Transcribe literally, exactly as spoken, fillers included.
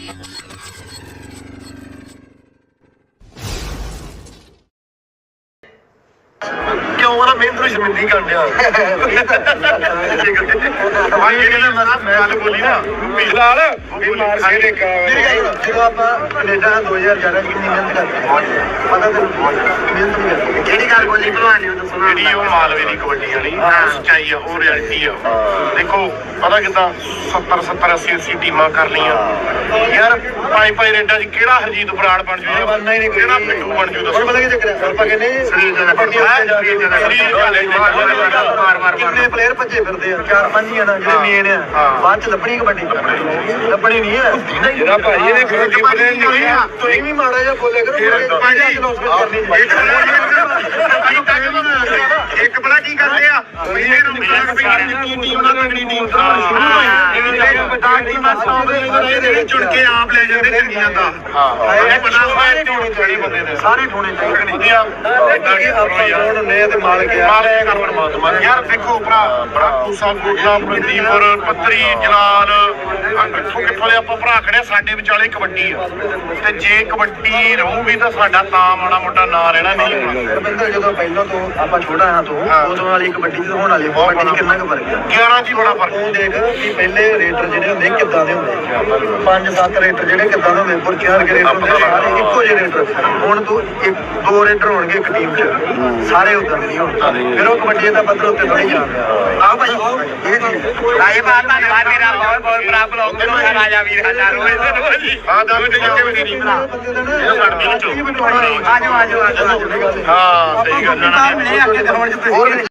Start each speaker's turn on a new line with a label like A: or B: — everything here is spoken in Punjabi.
A: क्यों वाला मेहनत में शर्मिंदगी कर दिया बोली ना फिलहाल जो आप कनेडा दो हजार ग्यारह की मेहनत करते पता मेहनत नहीं करते ਕਿਹੜੀ ਗੱਲ ਬੋਲੀ ਭਲਵਾਨ ਨੇ ਦੱਸਣਾ ਜਿਹੜੀ ਉਹ ਮਾਲਵੇ ਦੀ ਕਬੱਡੀ ਵਾਲੀ ਸੱਚਾਈ ਆ ਉਹ ਰਿਐਲਿਟੀ ਆ ਦੇਖੋ ਪਤਾ ਕਿਦਾਂ ਸੱਤਰ ਸੱਤਰ ਅੱਸੀ ਅੱਸੀ ਟੀਮਾਂ ਕਰ ਲਈਆਂ ਯਾਰ ਪੰਜ ਪੰਜ ਰੇਡਾਂ 'ਚ ਕਿਹੜਾ ਹਰਜੀਤ ਬਰਾੜ ਬਣ ਜੂ ਕਿਹੜਾ ਪਿੰਡੂ ਬਣ ਜੂ ਦੱਸੋ ਪਤਾ ਕੀ ਚੱਕਰ ਆਪਾਂ ਕਹਿੰਦੇ ਸਰੀਰ ਦਾ ਕਿੰਨੇ ਪਲੇਅਰ ਭੱਜੇ ਫਿਰਦੇ ਆ ਚਾਰ ਪੰਜ ਹੀ ਆ ਨਾ ਜਿਹੜੇ ਮੇਨ ਆ ਬਾਅਦ 'ਚ ਲੱਭਣੀ ਕਬੱਡੀ ਲੱਭਣੀ ਨਹੀਂ ਹੈ ਜਿਹੜਾ ਭਾਈ ਇਹਨੇ ਕਬੱਡੀ ਪਲੇਅਰ ਨਹੀਂ ਆ ਤੁਸੀਂ ਵੀ ਮਾੜਾ ਜਿਹਾ ਬੋਲੇ ਕਰੋ ਇੱਕ ਬੜਾ ਕੀ ਕਰਦੇ ਆ ਪਹਿਲੇ ਨੂੰ ਟੀਮ ਨਾਲ ਤਗੜੀ ਟੀਮ ਚੁਣ ਕੇ ਆਪ ਲੈ ਜਾਂਦੇ ਚੰਗੀਆਂ ਦਾ ਇਹ ਪਤਾ ਸਾਰੇ ਟੋਣੇ ਚਾਹੀਦੇ ਬੰਦੇ ਨੇ ਸਾਰੇ ਟੋਣੇ ਚਾਹੀਦੇ ਵਧੀਆ ਆਪਾਂ ਨੇ ਤੇ ਮਾਲਕ ਮਾਲਕ ਕਰ ਪਰਮਾਤਮਾ ਯਾਰ ਦੇਖੋ ਭਰਾ ਬੜਾ ਕੂਸਾ ਕੋਟਾ ਪ੍ਰਦੀਪਰ ਪੱਤਰੀ ਜਲਾਲ ਕਿੱਥੋਂ ਕਿੱਥੋਂ ਦੇ ਆਪਾਂ ਭਰਾ ਖੜੇ ਸਾਡੇ ਵਿਚਾਲੇ ਕਬੱਡੀ ਆ ਤੇ ਜੇ ਕਬੱਡੀ ਰਹੂਗੀ ਤਾਂ ਸਾਡਾ ਤਾਂ ਮਾੜਾ ਮੋਟਾ ਨਾਂ ਰਹਿਣਾ ਨਹੀਂ ਰਵਿੰਦਰ ਜਦੋਂ ਪਹਿਲਾਂ ਤੋਂ ਆਪਾਂ ਛੋਟਾ ਹਾਂ ਤੋਂ ਉਦੋਂ ਵਾਲੀ ਕਬੱਡੀ ਤੇ ਹੋਣ ਵਾਲੀ ਕਬੱਡੀ ਕਿੰਨਾ ਕੁ ਫਰਕ ਹੈ ਗਿਆਰਾਂ ਚ ਬੜਾ ਫਰਕ ਉਹ ਦੇਖ ਵੀ ਪਹਿਲੇ ਰੇਟਰ ਜਿਹੜੇ ਹੁੰਦੇ ਕਿੱਦਾਂ ਦੇ ਹੁੰਦੇ ਪੰਜ ਸੱਤ ਰੇਟਰ ਜਿਹੜੇ ਕਿੱਦਾਂ ਦੇ ਹੁੰਦੇ ਪਰ ਚਾਰ ਕੇ ਰੇਟਰ ਹੁੰਦੇ ਸਾਰੇ ਇੱਕੋ ਜਿਹੇ ਰੇਟਰ ਹੁਣ ਤੂੰ ਇੱਕ ਦੋ ਰੇਟਰ ਹੋਣਗੇ ਇੱਕ ਟੀਮ 'ਚ ਸਾਰੇ ਉਦਾਂ ਦੇ ਨਹੀਂ ਹੋਣ ਫਿਰ ਉਹ ਕਬੱਡੀ ਦਾ ਪੱਧਰ ਉੱਤੇ ਥੋੜੀ ਜਾਂਦਾ ਆਹ ਭਾਈ ਇਹ ਚੀਜ਼ ਰਾਜੇ ਬਾਤ ਧੰਨਵਾਦ ਮੇਰਾ ਬਹੁਤ ਬਹੁਤ ਬੜਾ ਬਲੌਗ ਬਣਾਉਣਾ ਰਾਜਾ ਵੀਰ ਹਜ਼ਾਰ ਰੋਜ਼ ਹਾਂ ਦਾ ਵੀ ਟਿੱਕੇ ਵੀ ਨਹੀਂ ਭਰਾ ਇਹ ਸਾਡੀ ਵਿੱਚੋਂ ਆਜੋ ਆਜੋ ਆਜੋ ਹਾਂ ਸਹੀ ਗੱਲ ਹੈ